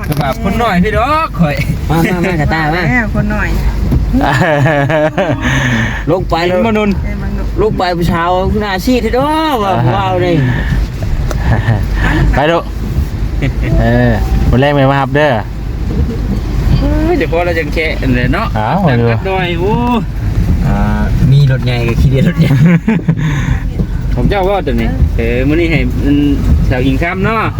แบบคนหน่อยพี่ดอกข่อยมากระตามาคนหน่อยลงไปแล้วมนุษย์ลงไปผู้ชาวหน้าซีดที่ดอกว้าวนี่ไปดูวันแรกไม่มาครับเด้อเดี๋ยวพอเราจะแค่เลยเนาะมาดูหน่อยโอ้มีรถใหญ่กับขี้เดียรถใหญ่ผมเจ้าว่าตัวนี้มื้อนี้ให้สาวอิงคำเนาะ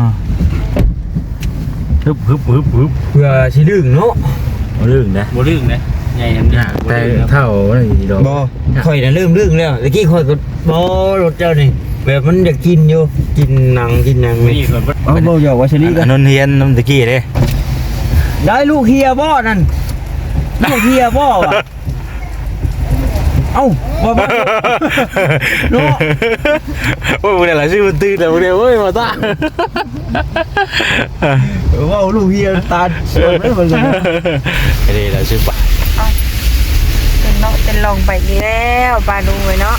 ฮึบเพื่อสิลึงเนาะบ่ลึงนะใหญ่อันนี้แต่เท่าอะไรดอกบ่ค่อยน่ะลึงแล้วตะกี้ค่อยก็บ่รถเจ้านี่แบบมันอยากกินอยู่กินหนังนี่เพิ่นบ่อยากว่าชนิดนนเฮียนน้ำตะกี้เด้ได้ลูกเฮียบ่นั่นลูกเฮียบ่วะเอ้าบ่เนาะโอ้ยเนี่ยหลายชื่อมันตื่นแต่เดียวเว้ยมาตาว่าลูกเฮียตาเสื่อมเลยมันเลยนี่แหละชื่อป่าเป็นลงไปนี่แล้วปลาดูไว้เนาะ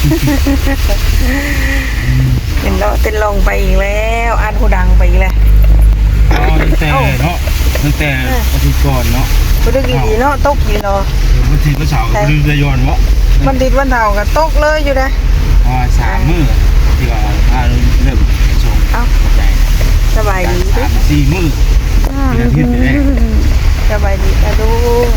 เป็นลงไปอีกแล้วอันหูดังไปอีกแล้วตั้งแต่อาทิตย์ก่อนเนาะมันดึกดีเนาะตกอยู่เนาะวันที่วันเสาร์มันจะย้อนวะมันติดวันเสาร์ก็ตกเลยอยู่นะ 3 มื้อที่ว่าเริ่มชงสบายดี 4 มื้ออาทิตย์นี้สบายดีกระดู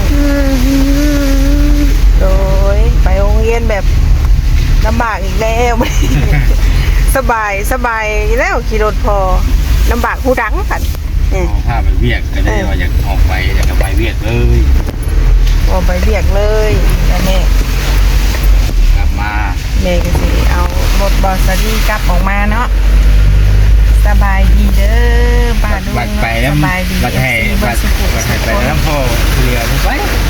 โดยไปโรงเรียนแบบลำบากอีกแล้วสบายแล้วขี่รถพอลำบากผู้ดังกันถ้าไปเวียกก็ได้ว่าอยากออกไปอยากไปเวียกเลยออกไปเวียกเลยแม่กลับมาแม่ก็สิเอารถบอสซี่กลับออกมาเนาะสบายดีเด้อป้าดูไปแล้วสบายดีบัดให้ไปน้ำพ่อเรือไป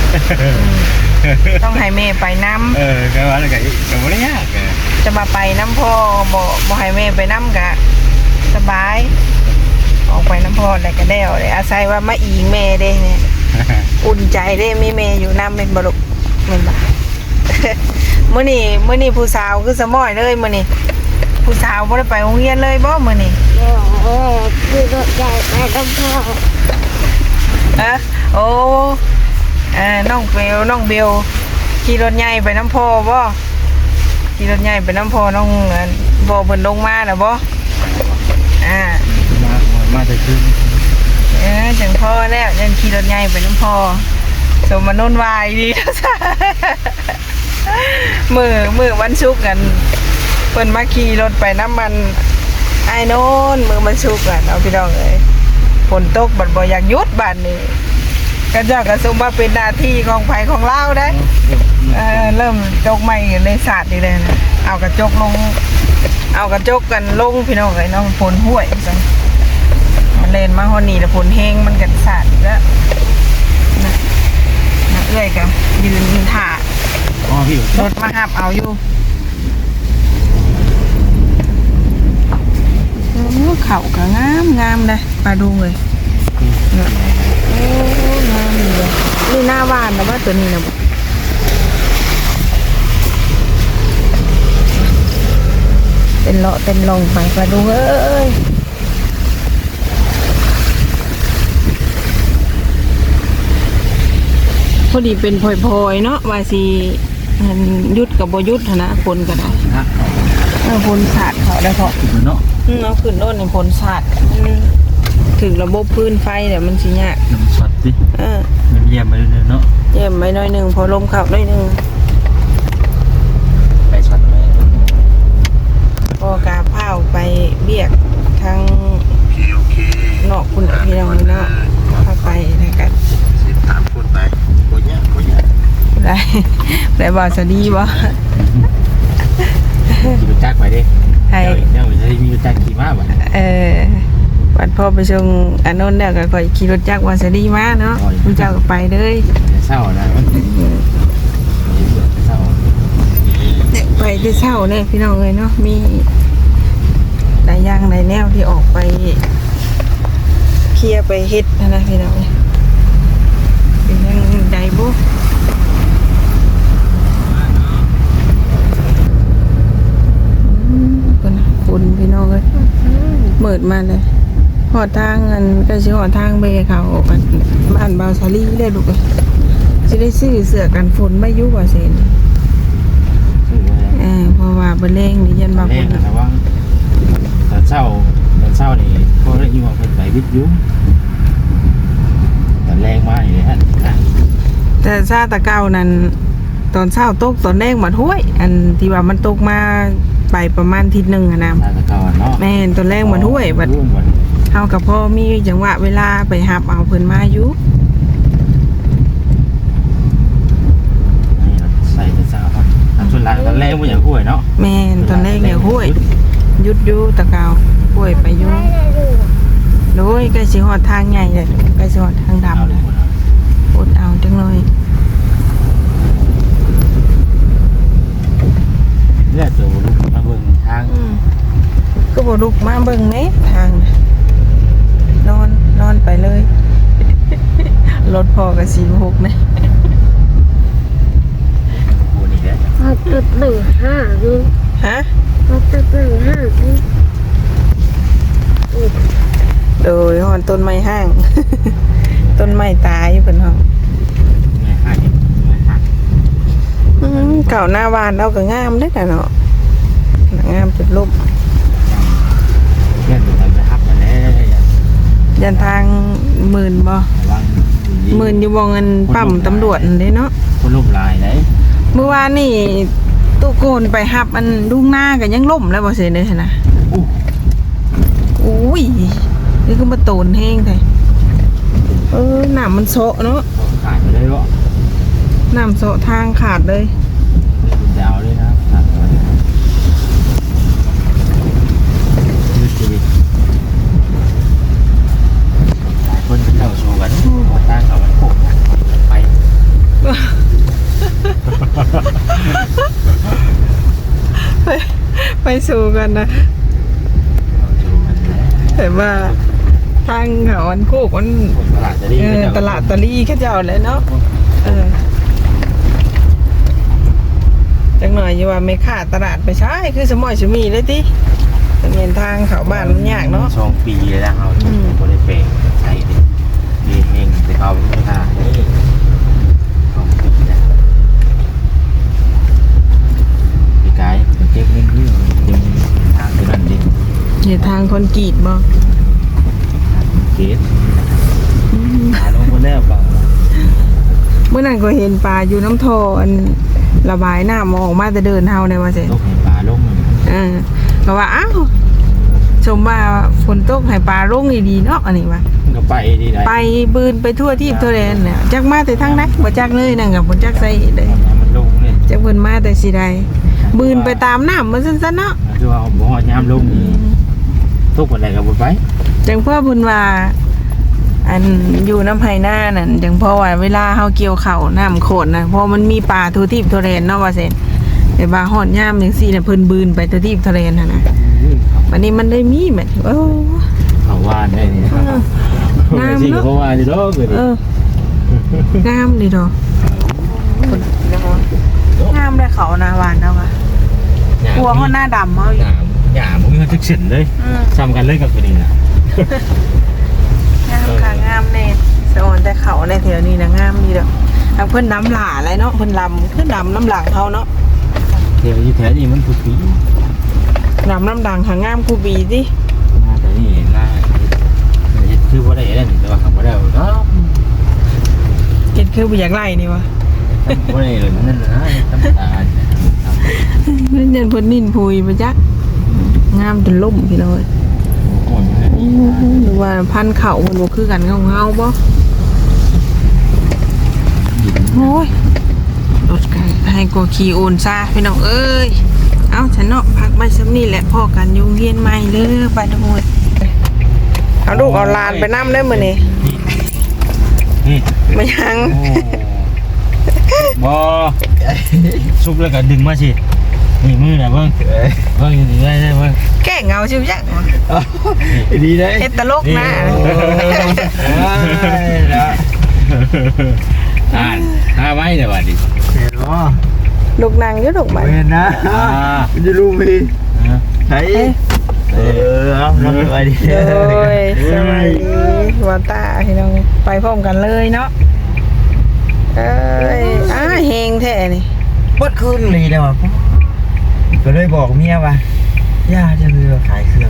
ต้องให้แม่ไปน้ำก็ว่าอะไรก็ไม่ได้ยากจะมาไปน้ำพ่อบ่ให้แม่ไปน้ำกะสบายออกไปน้ำพ่ออะไรก็ได้เลยอาศัยว่ามาอีแม่ได้เนี่ยอุ่นใจได้มีแม่อยู่น้ำเป็นบลุเป็นบ่มื้อนี้ผู้สาวคือสมอยเลยมื้อนี้ผู้สาวบ่ได้ไปโรงเรียนเลยบ่มื้อนี้คือรถใหญ่ไปน้ำพ่อโอ้น้องเบลขี่รถใหญ่ไปน้ำพ่อบ่ขี่รถใหญ่ไปน้ำพ่อน้องบ่เพิ่นลงมาแล้วบ่มาแต่คืนจังพ่อแล้วยันขี่รถใหญ่ไปน้ำพ่อสมนุนวายดีมือวันศุกร์กันเพิ่นมาขี่รถไปน้ำมันไอ้โน่นมือมันศุกร์กันเอาพี่น้องเอ้ยฝนตกบัดบ่อยากหยุดบัดนี้ก็เจ้าก็ส่งมาเป็นหน้าที่ของไผของเราได้เริ่มจกใหม่ในศาสตร์นี่เลยนะเอากระจกกันลงพี่น้องเอ้ยน้องฝนห้วยจังมันเล่นมาฮอนี่แล้วฝนแห้งมันกันศาสตร์แล้วนะเอ้ยกับยืนถ่ารถมาหับเอาอยู่เข่าก็งามเลยปลาดูเลยโอ้งามเลยนี่หน้าหวานนะว่าตัวนี้นะเป็นเลาะเป็นลงไปปลาดูเอ้ยพอดีเป็นพลอยๆเนาะว่าสิยุดกับบ่ยุดนะฝนก็ได้ฝนสาดเขาได้พอเนาะเอาขึ้นโน่นในฝนสาดถึงระบบพื้นไฟเดี๋ยวมันสิยากน้ำสดดิเยี่ยมไปเลยเนาะเยี่ยมไปหน่อยหนึ่งพอลมขับหน่อยหนึ่งไปสดไหมพอกาเผาไปเบียกทางนอกคุณพี่น้องเนาะเข้าไปนะครับ 13 คนไปโคตรได้บ่สวัสดีบ่ขี่รถจักรไปดิเนี่ยจะมีรถจักรขี่มาบ่วันพ่อไปส่งอันนั้นเนี่ยก็ค่อยขี่รถจักรวาสดีมาเนาะคุณเจ้าก็ไปเลยเศร้านะไปที่เศร้าเนี่ยพี่น้องเลยเนาะมีหลายอย่างหลายแนวที่ออกไปเคลียร์ไปเฮ็ดนะพี่น้องเป็นยังไงบุฝุ่นพี่น้องเลยเมิดมาเลยหอดทางอันก็สิหอดทางเบเขากันบ้านบาวซาลีได้ลูกเอ้ยสิได้ซื้อเสื้อกันฝนไม่อยู่ว่าเซ็นซื้อไว้แล้วเพราะว่าเบลเลงนี่ยันบางแรคงนนะว่าตอนเช้านี่เขาได้ยินว่าเพิ่นไปวิทยุตอนแรงมากเลยฮะแต่ซาตะเก้านั้นตอนเช้าตกตอนแรกมาถ้วย อันที่ว่ามันตกมาไปประมาณอาทิศนึงอะนะตาตะกอนเนาะแม่นตอนแรกมาถ้วยบัดเฮากับพ่อมีจังหวะเวลาไปหับเอาเพิ่นมาอยู่นี่ใส่แต่เช้าครับส่วนหลังตอนแรกมันอย่างห่วยเนาะแม่นตอนแรกเนี่ยห้วยหยุดอยู่ตะเก้าห้วยไปอยู่โดยใกล้สิฮอดทางใหญ่เลยใกล้สิฮอดทางดำเอาเลเลย ยอดเอาจังเลยเลือดตัวลูกมาเบิ่งทางก็บ่ลุกมาเบิ่งแหน่ทางน่ะนอนไปเลย รถพอกับ46นะกูนี่แหละเขาตึก1 5นี่ฮะเขาตึก1 5นี่โดยฮอนต้นไม้ห้าง ต้นไม้ตายเพิ่นเฮาไม่ให้เก่าหน้าบ้านเราก็งามเด้อน่ะเนาะงามจุดลบเลือดตัวไปหับมาแล้วยันทางหมื่นบ่ระวังหมื่นอยู่บ่เงินปั๊มตำรวจนั่นเด้เนาะคนล่มลายไหนเมื่อวานนี่ตู้โกนไปหับอันลุงหน้าก็ยังล่มแล้วบ่เสียเลยนะอู้อุ้ยนี่ก็มาโตนแห้งแท้น้ำมันโซะเนาะขาดไปเลยวะน้ำโซะทางขาดเลยคุณดาวเลยนะขาดไปยืดชีวิตหลายคนเป็นเจ้าโชว์กันหัวตั้งเขามันโผล่ไปไปสู่กันนะโชว์กันแล้วแต่ว่าทางเขาอันโคกมันตลาดจะดีตลาดตะลี่เขาเจ้าเลยเนาะจังหน่อยอย่าว่าไม่ขาดตลาดไปใช้คือสมอยสมีเลยติแต่เงินทางเขาบ้านมันยากเนาะ 2 ปีแล้วเราบริเวณใช่ดิดีเองแต่เขาไม่ได้นี่2 ปีแล้วพี่กายมันเก็บเงินที่ดึงทางที่นั่นดิเห็นทางคอนกรีตบ่เกตหาลงคนแรกเปล่าเมื่อนั้นก็เห็นปลาอยู่น้ำทออันระบายน้ำออกมาแต่เดินเฮาได้ว่าเสร็จตกให้ปลาลงก็ว่าอ้าวชมว่าฝนตกให้ปลาลงดีๆเนาะอันนี้ว่าก็ไปดีได้ไปบืนไปทั่วที่ทั่วแดนเนี่ยจักมาแต่ทางไหนบ่จักเลยนั่นก็บ่จักใส่เลยมันลงเนี่ยจักเพิ่นมาแต่สิใดบืนไปตามน้ำมันซั่นๆเนาะคือว่าบ่ฮอดยามลงนี่ทุกวันใดก็บ่ไปจังพ่อเพิ่นว่าอันอยู่น้ำไผหน้านั่นจังพ่อว่าเวลาเฮาเกี่ยวข้าวน้ำโขดน่ะเพราะมันมีปลาทั่วที่ทั่วแดนเนาะว่าเซ่นแต่ว่าฮอดยามจังซี่น่ะเพิ่นบืนไปทั่วที่ทั่วแดนหั่นน่ะวันนี้มันได้มีแม่โอ้เขาว่านได้นี่งามจริงเนาะเขาว่านี่ดอกเลยงามดีดอกงามได้เขาหน้าหวานเอาว่ะกลัวเขาหน้าดำเอาอยู่หญ้าบ่มีจักเส้นเลยซ้ำกันเลยกับตัวนี้น่ะงามค่ะงามแน่สะออนแต่เขาในแถวนี้นะงามดีดอกทางเพิ่นน้ำหล่าอะไรเนาะเพิ่นลำเพิ่นดำน้ำหลังเขาเนาะเดี๋ยวอยู่แถวนี้มันทุกปีดำน้ำหลังหางามคูบีสิมาแต่นี่ล่าเฮ็ดคือบ่ได้แล้วนี่แต่ว่าเขาบ่ได้เนาะเก็ดคือบ่อยากไล่นี่วะบ่ได้เลยนั่นน่ะธรรมดานั่นเดินเพิ่นนินพุยไปจักงามจนล่มพี่น้อยหรือว่าพันธุ์เขาเพิ่นบ่คือกันของเฮาบ่โอ้ยรถกันให้กว่าขี่โอนซาพี่น้องเอ้ยเอาฉันเนาะพักไว้ซ้ำนี่แหละพ่อกันยุงเฮียนใหม่เด้อไปทุกคนเอาลูกเอาหลานไปนํได้มื้อนี้นี่ไม่ยังบ่ซุกแล้วก็ดึงมาสินี่มือน่ะเบิ่งอยู่นี่ได้เบิ่งแก้เงาชิวจักดีได้เฮ็ดตลกนะหาไว้เดี๋ยวว่าดิเห็นบ่ลูกนางอยู่ลูกบัดเห็นนะมันจะรู้มีใช่เอาน้องไปดิโดยสวัสดีวาตาพี่น้องไปพร้อมกันเลยเนาะเอ้ยเฮงแท้นี่เบิดคืนเลยเด้อว่ะก็เลยบอกเมียว่าย่าจะเรือขายเครื่อง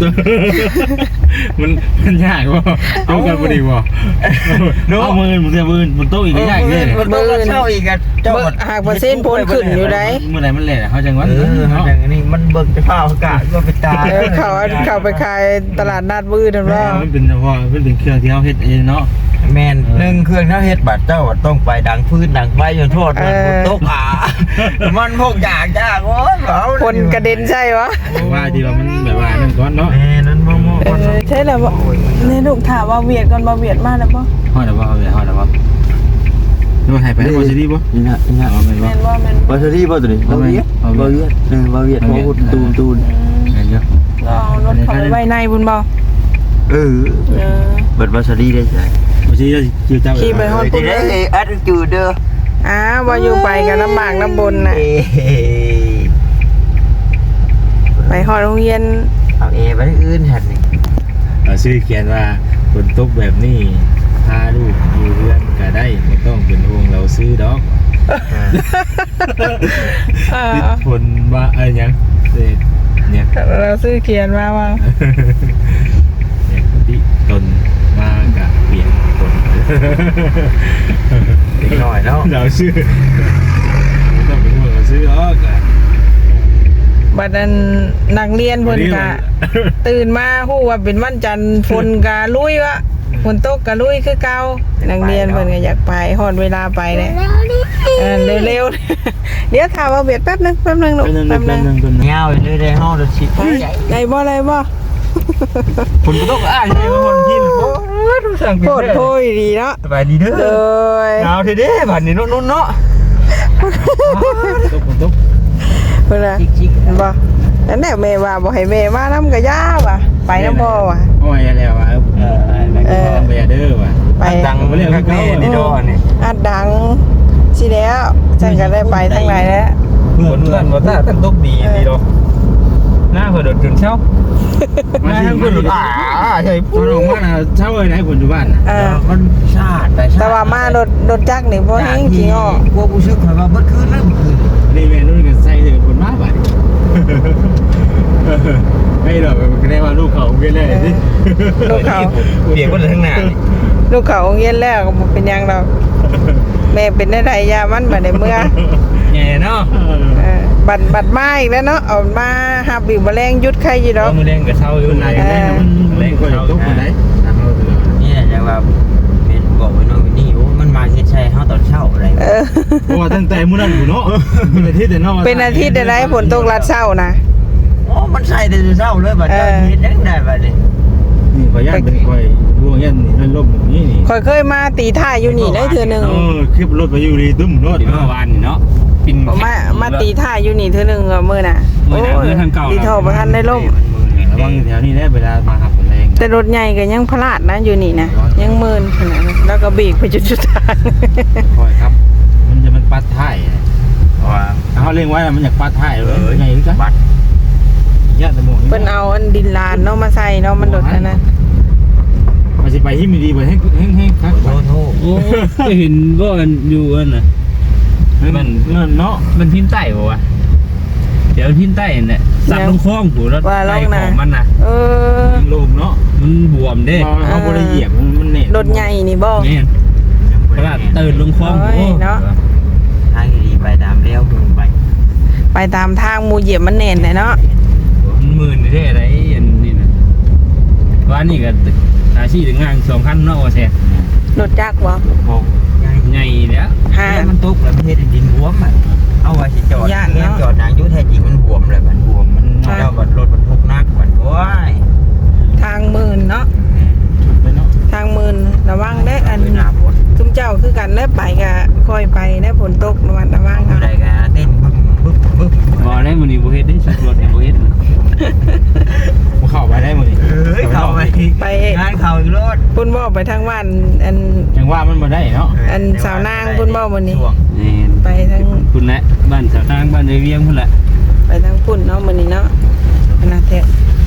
มันยากบ่เอากันบ่ดีบ่เอามือมันจะมือมันโตอีกก็ยากเลยมันต้องเช่าอีกอ่ะเจ้าหากเปอร์เซ็นต์พ้นขึ้นอยู่ได้เมื่อไหร่มันแหละเขาจังหวัดเนาะอย่างนี้มันเบิกจะเฝ้าอากาศก็ไปตายเขาไปขายตลาดนัดบื้อนั่นว่ามันเป็นเฉพาะมันเป็นเครื่องที่เขาเฮ็ดเองเนาะแมน1เครื่องถ้าเฮ็ดบัตรเจ้าต้องไปดังพื้นดังไฟจนโทษมันตกมันพวกยากโอ้ยเอาคนกระเด็นใช่วะว่าที่ว่ามันแบบว่านั่นก่อนเนาะแม่นั้นมองใช่แล้วบ่ในลูกถามว่าเวียดก่อนบ่เวียดมาแล้วบ่ฮอดแล้วบ่ฮอดแล้วบ่ดูให้ไปให้บ่สิดีบ่นี่นะนี่นะเอาแม่นบ่แม่นบ่แม่นบาสรีบาตัวนี้บาเวียดบาเวียดบาเวียดพอตูนแม่นเยอะเราเอารถเข้าไปไว้ในบุญบ่เบิดบาสรีได้ใช่บ่สิจะเจ้าขี่ไปฮอดจะได้อัดจูเด้อบ่อยู่ไปกันลำบากลำบนน่ะไปฮอดโรงเรียนเอาเอไปอื่นหันนี่ชื่อเขียนว่าฝนตกแบบนี้พาลูกอยู่เรือนก็ได้ไม่ต้องเป็นห่วงเราซื้อดอกติดฝนมาหยังเนี่ยเราซื้อเขียนมาว่าเนี่ยที่ตนมากะเปียกฝนเด็กน้อยเนาะเราซื้อไม่ต้องเป็นห่วงเราซื้อดอกอะบัดนั้นนักเรียนเพิ่นก็ตื่นมาฮู้ว่าเป็นวันจันทร์ฝนก็ลุยวะฝนตกก็ลุยคือเก่านักเรียนเพิ่นก็อยากไปฮอดเวลาไปแล้ว เร็วๆ เดี๋ยวถามว่าเบียดแป๊บนึงลูกแป๊บนึงเงาเลยได้ห้องรถชิดได้บ่ได้บ่คนก็ต้องให้คนกินโอ้ยทุกสั่งโคตรโพยดีเนาะสบายดีเด้อเลยเงาเด้บัดนี้นุ่นเนาะตกเพิ่นน่ะบ่นั่นแหละแม่ว่าบ่ให้แม่มานำก็ย่าว่ะไปนำบ่ว่ะโอ้ยอะไรวะไปเด้อว่ะไปดังเรื่องแม่นี่ดอนี่อัดดังสิแล้วฉันก็ได้ไปทั้งหลายแล้วเพื่อนบ่ตาตั้งตกดีดอกหน้าเพิ่นตื่นเช้ามาทั้งเพิ่นใช่ตอนออกมาเช้าเลยนะฝนอยู่บ้านมันชาติแต่ว่ามารถจักรนี่บ่แฮงจริงอ้อพวกผู้ชึกข่อยว่าเบิดคืนแล้วเมื่อคืนนี่แม่นุ่นกันใส่เลยฝนมาบ่ายไม่หรอกก็ได้ว่าลูกเขาเกินเลยสิลูกเขาเปียกเบิดทั้งหน้านี่ลูกเขาโรงเรียนแล้วก็บ่เป็นหยังดอกแม่เป็นได้ยามันบ่ได้เมื่อแง่เนาะบัดมาอีกแล้วเนาะเอามาหับอีกบ่แรงยุดใครอยู่ดอกมือแรงกับเช้าอยู่คนไหนกันได้มันเล่นก็ตกคนไหนนี่แหละจะว่าเป็นบอกไว้น้องนี่โอ้มันมาเฮ็ดใช่เฮาตอนเช้าอะไรเพราะว่าตั้งแต่มื้อนั้นอยู่เนาะเป็นอาทิตย์แต่เนาะเป็นอาทิตย์ได้ฝนตกลัดเช้านะโอ้มันใส่แต่เช้าเลยบัดนี้เฮ็ดยังได้บัดนี้นี่ขอย่านเป็นคอยดวงยันนี่ล่มแบบนี้นี่ค่อยเคยมาตีท่าอยู่นี่ได้เทื่อนึงคลิปรถไปอยู่ดีตุ้มรถเมื่อวานเนาะปินมาตีท่าอยู่นี่เทื่อนึงมื้อน่ะโอ้ยดีเท่าบ่ทันได้ล่มระวังแถวนี้ได้เวลามาขับแรงแต่รถใหญ่ก็ยังพลาดนะอยู่นี่นะยังหมื่นขนาดนั้นแล้วก็เบรกไปจุดสุดท้ายคอยครับมันปัดท้ายว่าเขาเลี้ยงไว้มันอยากปัดท้ายเลยไงจ๊ะปัดญาติตะมงเพิ่นเอาอันดินลานเนาะมาใส่เนาะมันโดดอันนั้นมันจะไปที่มีดีไปให้ครับโอ้โหโอ้เห็นว่ามันอยู่อันน่ะมันเนาะมันพินใต้บ่วะเดี๋ยวพินใต้เนี่ยสับลงคลองผูแล้วไตของมันน่ะเออลงเนาะมันบวมเด้เขาบริเหยียบมันเน็ตรถใหญ่นี่บ่แม่นเพราะว่าตื่นลงคลองโอ้เนาะทางดีไปตามเลี้ยวไปไปตามทางหมู่เหยียบมันแน่นเลยเนาะมันหมื่นได้อะไรอันนี้นะว่านี่ก็อาชีพงาน2คันเนาะว่าแซ่รถจักรบ่โอ้ยใหญ่แล้วห้ามันตกแล้วมันเฮ็ดดินบวมอ่ะเอาไว้สิจอดเนี่ยจอดนางยุแท้จริงมันบวมเลยมันบวมมันเจ้าบัดรถบรรทุกนักบัดโอ้ยทางหมื่นเนาะเนาะทางหมื่นระวังได้อันหน้าบดซุมเจ้าคือกันแล้วไปก็ค่อยไปได้ฝนตกระวังระวังอยู่เอาใดก็เต้นบึ้บบ่ได้มื้อนี้บ่เฮ็ดได้สุดรถบ่เฮ็ดมันเข้าไปได้หมดนี่เอ้ยเข้าไปงานเข้าอีกรถพุ่นบ่ไปทางบ้านอันยังว่ามันมาได้เนาะอันสาวนางพุ่นบ่มื้อนี้นี่ไปทางคุณแหละบ้านสาวทางบ้านในเวียงพุ่นแหละไปทางพุ่นเนาะมื้อนี้เนาะขนาดแท้โอ้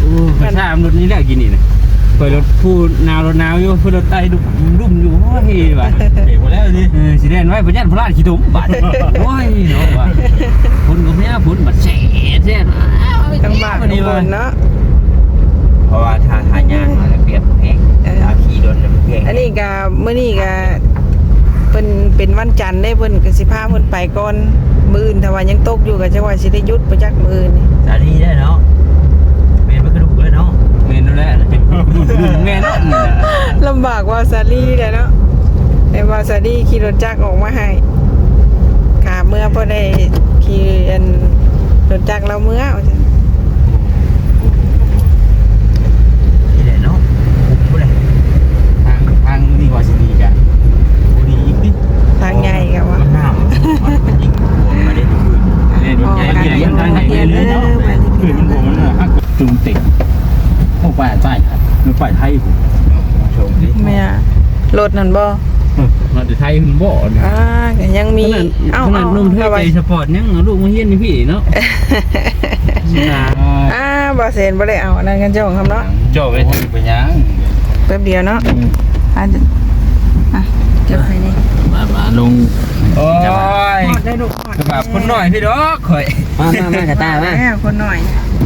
กระชามรถนี้แหละกินนี่นะไปรถผู้นาวรถนาวอยู่ผู้รถไต่ดุ่มอยู่โอ้ยว่ะเด็กหมดแล้วดิสิเด่นไว้พยัญชนะพลาดขี้ตุ่มบาดโอ้ยเนาะว่ะผลก็ไม่ผลบัดแฉะจังหวะทุกคนเนาะเพราะว่าถ้าทายางมันเปรียบแพงถ้าขี่รถมันแพงอันนี้ก็มื้อนี้ก็เพิ่นเป็นวันจันทร์ได้เพิ่นก็สิพาเพิ่นไปก่อนมื้ออื่นถ้าว่ายังตกอยู่ก็จะว่าสิได้หยุดบ่จักมื้ออื่นนี่สาลีได้เนาะเมนมันกระดูกเลยเนาะเมนนั่นแหละเมนนั่นลำบากว่าซาลี่แหละเนาะแต่ว่าซาลี่ขี่รถจักรออกมาให้ขาเมื่อพอได้ขี่อันรถจักรเราเมื่อว่าซั่นนี่แหละเนาะปุ๊บเลยทางนี่ว่าสิดีกันดีอีกดิทางใหญ่ก็ว่ามันหนาวมันยิงหัวมาได้ทุกคืนเนี่ยมันใหญ่ใหญ่ทางไหนเลยเนาะคือมันผมมันฮักจุ่มติดพวกป่าใต้ครับมันป่าไทยผมชมดิแม่รถนั่นบ่มาแต่ไทยมันบ่ก็ยังมีขนาดนุ่มเท่าใจสปอร์ตยังลูกมาเฮียนนี่พี่เนาะบ่เซนบ่ได้เอาอันนั้นกันเจ้าของคำเนาะโจ้ไปเป็นยังแป๊บเดียวเนาะเก็บให้นี่มาลงโอ้ยหอดได้ลูกหอดแบบคนหน่อยพี่ดอกข่อยมากระตามาแม่คนหน่อย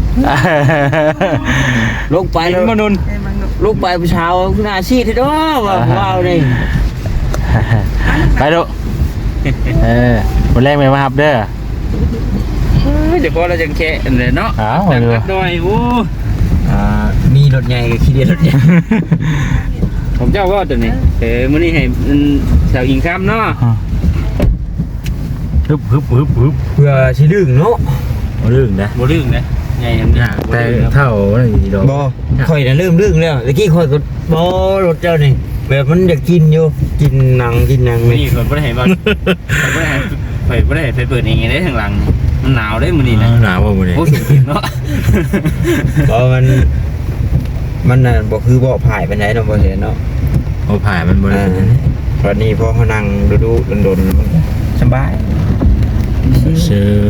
ลงไปแล้วมนุนได้บังลูกลูกไปผู้ชาวหน้าชีดที่ด้ว้าวนี่ไปดูวันแรกไม่มาครับเด้อเดี๋ยวพอเราจะแค่เลยเนาะอ้าวหน่อยโอ้มีรถใหญ่กับขี่เดียรถใหญ่ผมเจ้าว่าตัวนี้มื้อนี้ให้สาวอิงคำเนาะฮึบเพื่อสิลึงเนาะเรื่องนะบ่ลืมนะใหญ่ยังดีแต่เท่าอะไรดอกบ่ข่อยน่ะเริ่มลึงแล้วตะกี้ข่อยก็บ่รถเจ้านี่แบบมันอยากกินอยู่กินหนังมื้อนี่นี้ข่อยบ่ได้ให้บ่ข่อยบ่ได้ให้ไปเปิดเองได้ข้างหลังมันหนาวได้มื้อนี้นะหนาวบ่มื้อนี้โอ้สุดเนาะบ่มันน่ะบ่คือบ่ผายปานใดเนาะบ่เห็นเนาะโอ้ผ่ายมันบ่ได้ตอนนี้พอเขานั่งดูๆดนๆมันก็สบายซื้อ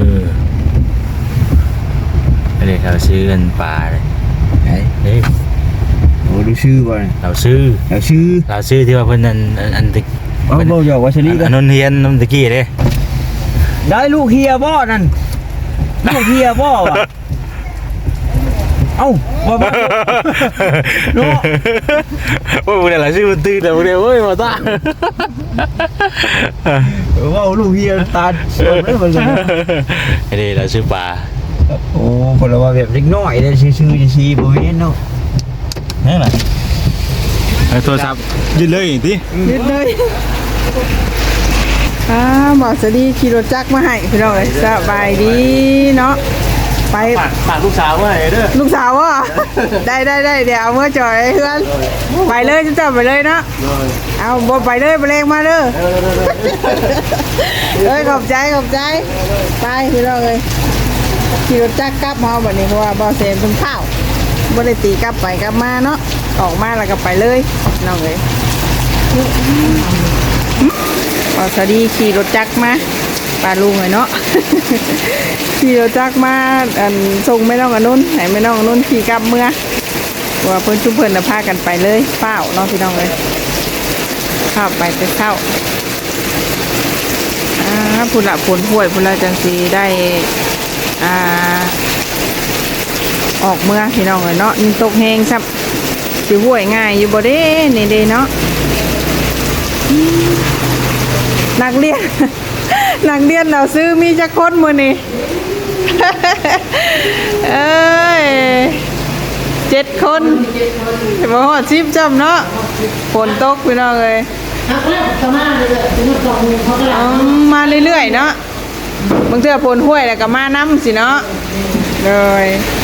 อันนี้เขาซื้อกันปลาเลยไอ้เฮ้ยโอ้ดูชื่อบ่เนี่ยเราซื้อแล้วชื่อที่ว่าเพิ่นอันตะบ่อยากว่าชลีกัอันนนนเฮียนน้ำตะกี้เด้ได้ลูกเฮียบ่นั่นลูกเฮียบ่วะเอ้าบ่บ่เนาะโอ้ยมื้อนี้ล่ะซื้อมันตื่นแล้วมื้อนี้โอ้ยบ่ตาว่าลูกเฮียตาเสียวเลยมันเลยอันนี้เราซื้อปลาโอ้คนละว่าแบบเล็กน้อยได้ชื่อๆสิบ่เห็นเนาะนี่แหละโทรศัพท์ยืนเลยติยืดเลยบอกสดีขี่รถจักรมาให้พี่น้องเลยสบายดีเนาะไปฝากลูกสาวไว้เด้อลูกสาววะได้เดี๋ยวเอาเมื่อจอยเพื่อนไปเลยจะไปเลยเนาะเอาบ่ไปเลยไปเลงมาเด้อเอ้ยขอบใจไปพี่น้องเลยขี่รถจักรกลับมาแบบนี้เพราะว่าบ่เซนเป็นข้าวบ่ได้ตีกลับไปกลับมาเนาะออกมาแล้วก็ไปเลยน้องเลยพอสวัสดีขี่รถจักรมาปลาลุงเลยเนาะ ขี่รถจักรมาส่งไม่น้องอนนุนให้ไม่น้องอนนุนขี่กลับเมื่อว่าเพิ่นชุมเพิ่นพากันไปเลยเฝ้าเนาะพี่น้องเลยเข้าไปเข้าพุ่นละผลห่วยพุ่นละจังสีได้ออกเมื่อพี่น้องเลยเนาะนี่ตกแห้งครับสิห่วยง่ายอยู่บ่เด้นี่เด้เนาะนักเรียน เราซื้อมีจักคนมื้อนี้ เอ้ย7 คนบ่ฮอด10จำเนาะฝนตกพี่น้องเอ้ยมาเรื่อยๆเนาะบางเทื่อฝนห้วยแล้วก็มาน้ำสิเนาะเลย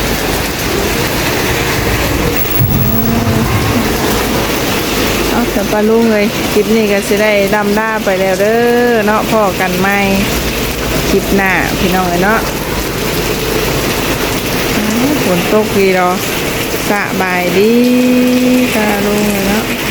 เอาแต่ปลาลุงเลยคลิปนี้ก็สิได้ดำหน้าไปแล้วเด้อเนาะพ่อกันใหม่คลิปหน้าพี่น้องเนาะฝนตกดีรอสบายดีปลาลุงเนาะ